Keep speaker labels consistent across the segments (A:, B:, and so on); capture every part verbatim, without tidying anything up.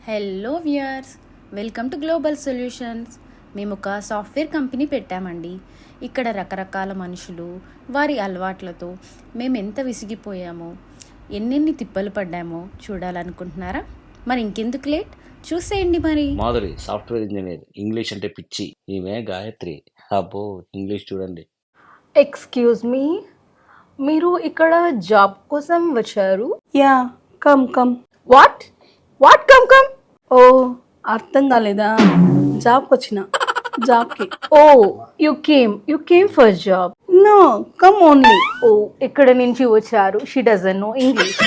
A: Hello viewers, welcome to global solutions. మేము ఒక software company పెట్టామండి. ఇక్కడ రకరకాల మనుషులు, వారి అలవాట్లతో మేము ఎంత విసిగిపోయామో, ఎన్నెన్ని తిప్పలు పడ్డామో చూడాలనుకుంటున్నారా? మరి ఇంకెందుకు లేట్, చూసేయండి. మరి
B: మాధురి సాఫ్ట్వేర్ ఇంజనీర్, ఇంగ్లీష్ అంటే పిచ్చి. ఈమె గాయత్రి, అబ్బో ఇంగ్లీష్ చూడండి.
C: ఎక్స్క్యూజ్ మీ, మీరు ఇక్కడ జాబ్ కోసం వచ్చారు?
D: Yeah come come.
C: What what come come?
D: ఓ అర్థం కాలేదా? జాబ్కి వచ్చిన, జాబ్కి.
C: Oh you came you came for job.
D: No come only.
C: ఓ ఇక్కడ నుంచి వచ్చారు. She doesn't know English.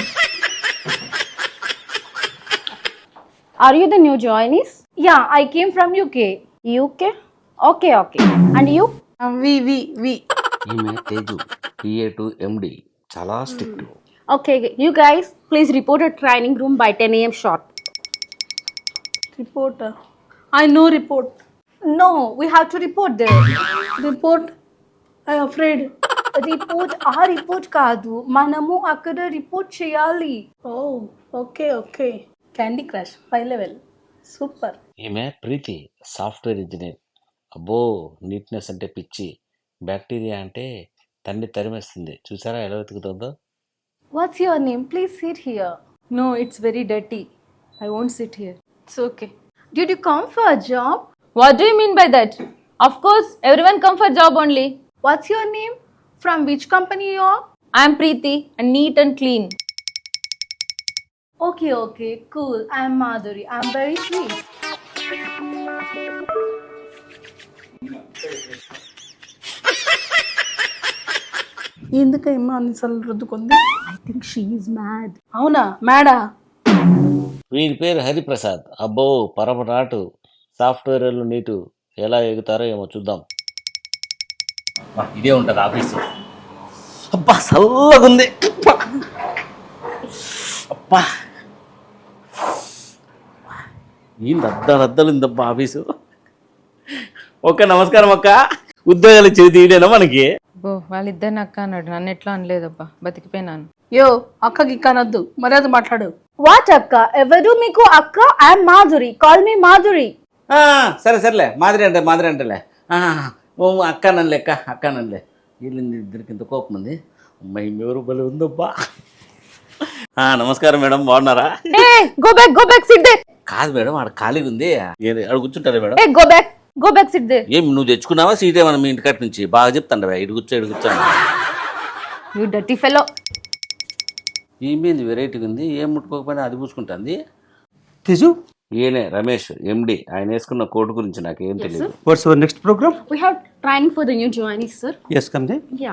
A: Are you the new joinees?
C: Yeah I came from UK.
A: UK? Okay okay. And you?
D: We we we
B: ఈమె Teju, PA to MD, చాలా strict.
A: Okay, you guys please report at training room by ten AM sharp.
D: Report. I no report.
C: No we have to report there.
D: Report I afraid.
C: Report ఆ report కాదు, మనము అక్కడ report చేయాలి.
D: Oh okay okay. Candy crush five level, super.
B: ఈమె Preethi, software engineer. అబ్బో neatness అంటే పిచ్చి. Bacteria అంటే తన్ని తరిమేస్తుంది. చూసారా ఎలా వెతుకుతుందో?
C: What's your name? Please sit here.
E: No, it's very dirty. I won't sit here.
C: It's okay. Did you come for a job?
E: What do you mean by that? Of course, everyone come for job only.
C: What's your name? From which company you are?
E: I am Preeti and neat and clean.
C: Okay, okay, cool. I'm Madhuri. I'm very sweet.
D: ఎందుకమ్మా అన్నిసార్లు రుద్దుకుంది?
C: I think she is mad.
D: అవునా మేడా?
B: వీరి పేరు హరిప్రసాద్. అబ్బో పరమనాటు. Software నీటు ఎలా ఎగుతారో ఏమో చూద్దాం. ఇదే ఉంటుంది ఆఫీసు. అబ్బా చల్లగుంది. అబ్బా ఈ రద్ద రద్దలు ఉందబ్బా ఆఫీసు. ఓకే, నమస్కారం అక్క. ఉద్యోగాలు ఇచ్చేది తీయడేనా మనకి?
E: బో వాళ్ళిద్దరిని అక్క అన్నాడు, నన్ను ఎట్లా అనలేదబ్బా, బతికిపోయినాను.
D: యో అక్కకి కనొద్దు, మర్యాద మాట్లాడు.
C: What akka? Evaru meeku akka? I'm Madhuri. Call me Madhuri.
B: ఆ, సరే సరేలే, మాదిరి అంటే మాదిరి అంటేలే. ఆ, ఓ అక్క నన్ను లెక్క అక్క నన్నులే. వీళ్ళని ఇద్దరికి ఇంత కోపం ఉంది. అమ్మాయి ఎవరు బలి ఉందబ్బా. ఆ, నమస్కారం మేడం, బాగున్నారా?
E: Hey, go back, go back, sit there.
B: కాదు మేడం, ఆడ ఖాళీగా ఉంది. ఆడ కూర్చుంటారా madam?
E: Hey, go back, go back, sit there.
B: ఏం నువ్వు తెచ్చుకున్నావా సీట్ ఏమన్నా మీ ఇంటికట్ నుంచి? బాగా చెప్తాను ఇటు కూర్చో ఇటు కూర్చోండి.
E: You dirty fellow.
B: ఏమేంది వెరైటీగా ఉంది, ఏం ముట్టుకోకపోయినా అది పూసుకుంటుంది.
F: Teju,
B: ఈయనే రమేష్, ఎండి. ఆయన వేసుకున్న కోటు గురించి నాకు ఏం తెలియదు.
F: what's our next program?
A: We have training for the new joinees, sir.
F: Yes, come there.
A: Yeah.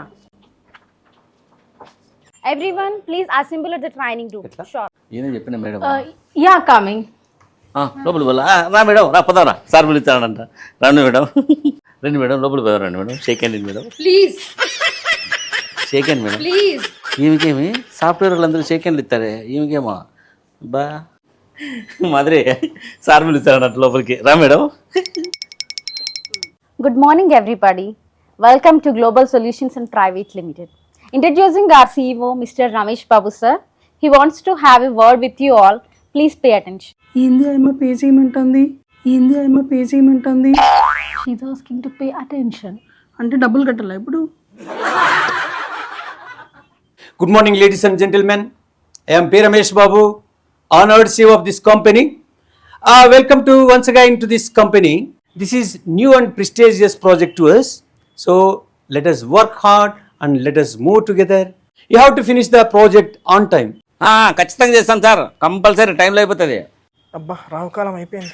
A: Everyone, please assemble at the training room. Sure.
B: ఈయన చెప్పిన మేడం.
C: Uh, yeah, coming.
B: ఆ, లోపలి పోలా? ఆ, రా మేడం, రా పదారా. సార్ పిలుస్తాడంట. రండి మేడం, రండి మేడం, లోపలి పోదా రండి madam. Shake hand madam,
A: Please,
B: shake hand madam.
A: please.
B: ఈమెకేమి సాఫ్ట్వేర్ వాళ్ళందరూ షేక్ హ్యాండ్లు ఇస్తారే, ఈమెకేమో బా మాదిరి సార్ పిలుస్తాడంట లోపలికి. రా madam.
A: Good morning, everybody. Welcome to Global Solutions and Private Limited. Introducing our C E O, Mister Ramesh Babu, sir. He wants to have a word with you all. Please pay attention.
D: ఏంది అమ్మ pay చేయమంటుంది? ఏంది అమ్మ pay చేయమంటుంది?
C: She's asking to pay attention.
D: అంటే డబ్బులు కట్టాలా ఇప్పుడు?
F: Good morning, ladies and gentlemen. I am P. Ramesh Babu, honored C E O of this company. Uh, welcome to once again to this company. This is new and prestigious project to us. So let us work hard and let us move together. You have to finish the project on time.
B: ఆ, ఖచ్చితంగా చేస్తాను sir, compulsory టైంలో అయిపోతుంది.
G: అబ్బా రావుకాలం అయిపోయింది.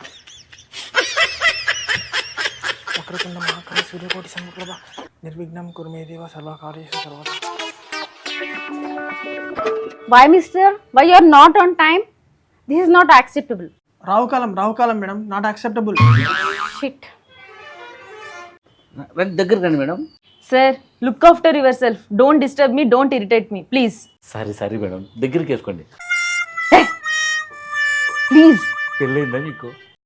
G: వక్రతుండ మహాకాయ సూర్యకోటి సమప్రభ నిర్విఘ్నం కురుమే దేవ సర్వకార్యేషు సర్వదా.
A: Why, mister? Why you are not on time? This is not acceptable.
G: రావుకాలం రావుకాలం మేడం, నాట్ యాక్సెప్టబుల్.
A: Shit.
B: రండి, దగ్గరికి రండి madam.
E: Sir, look after yourself. Don't disturb me, don't irritate me, please.
B: Sorry sorry madam, దగ్గరికి వేసుకోండి.
E: Please.
B: పెళ్ళైందా మీకు?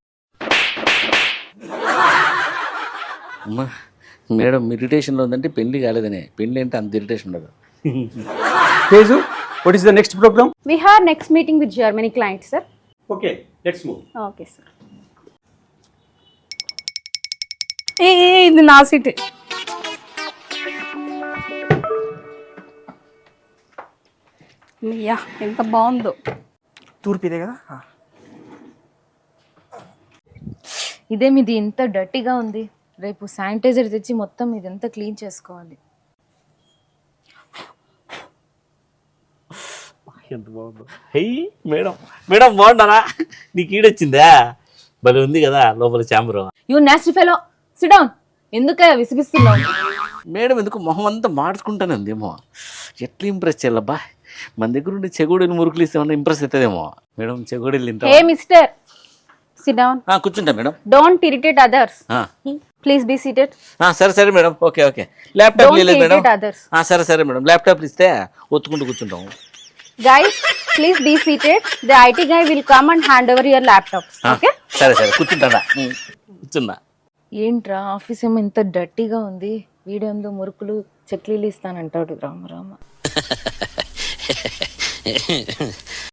B: అమ్మా మేడం, ఇరిటేషన్లో ఉందంటే పెళ్లి కాలేదనే. పెళ్ళి అంటే అంత ఇరిటేషన్ ఉండదు.
F: Teju, what is the next program?
A: We have next meeting with Germany client, sir.
F: Okay let's move.
D: Okay sir. ఏ ఏ, ఇది నా సీటే. అయ్యా ఎంత బాగుందో.
G: తూర్పు ఇదే కదా. ఆ.
E: ఇదేమి ఇది ఇంత డర్టీగా ఉంది. రేపు శానిటైజర్ తెచ్చి మొత్తం ఇదంతా క్లీన్ చేసుకోవాలి.
B: ఎంత బాగుందో. హెయ్ మేడం, మేడం బాగుంటారా? నీకు ఈడొచ్చిందా? భలే ఉంది కదా లోపల chamber.
E: You nasty fellow, sit down. ఎందుకే విసిగిస్తున్నావు?
B: మేడం ఎందుకు మొహం అంతా మార్చుకుంటానే ఉందేమో. ఎట్లా ఇంప్రెస్ చేయాలబ్బా? మన దగ్గర ఉండి చెగోడీలు మురుకులు ఇస్తామన్నా ఇంప్రెస్ అవుతుందేమో. మేడం చెగోడీలు తింటా.
E: Hey mister, sit down.
B: కూర్చుంటా మేడం.
E: Don't irritate others.
B: ఆ.
E: Please be seated.
B: ఆ, సరే సరే madam. Okay okay. Laptop
E: Don't
B: లేదు మేడం.
E: irritate others.
B: ఆ, సరే సరే మేడం. ల్యాప్టాప్లు ఇస్తే ఒత్తుకుంటూ కూర్చుంటాము.
E: Guys, please be seated. The I T guy will come and hand over your laptops.
B: ఆ,
E: Okay?
B: సరే సరే కూర్చుంటా. కూర్చున్నా.
E: ఏంట్రా ఆఫీస్ ఏమో ఇంత డర్టీగా ఉంది. వీడేందో మురుకులు చెక్లీలు ఇస్తానంటాడు. రామ రామ.